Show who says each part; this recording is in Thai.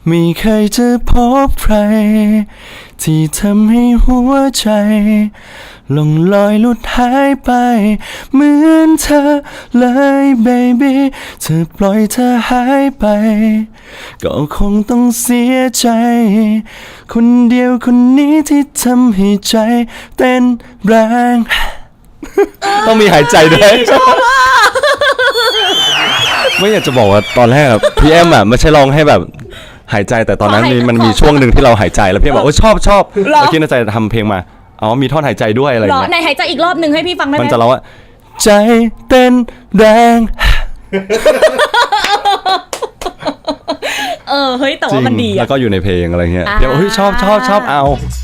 Speaker 1: ไม่เคยจะพบใครที่ทำให้หัวใจลงลอยหลุดหายไปเหมือนเธอเลย baby เธอปล่อยเธอหายไปก็คงต้องเสียใจคนเดียวคนนี้ที่ทำให้ใจเต้นแรงต้องมีหายใจด้วยไม่อยากจะบอกว่าตอนแรกพี่แอมไม่ใช่ร้องให้แบบหายใจแต่ตอนนั้นมันมีช่วงหนึ่งที่เราหายใจแล้วพี่บอกโอ้ชอบแล้วคิดในใจทำเพลงมาอ๋อมีท่อนหายใจด้วยอะไรอย่างเงี้ย
Speaker 2: ในหายใจอีกรอบหนึ่งให้พี่ฟังได้ไหม
Speaker 1: มันจะร้องว่าใจเต้นแรง
Speaker 2: เฮ้ยแต่ว่ามันดี
Speaker 1: แล้วก็อยู่ในเพลงอะไรเงี้ยพี่บอกเฮ้ยชอบเอา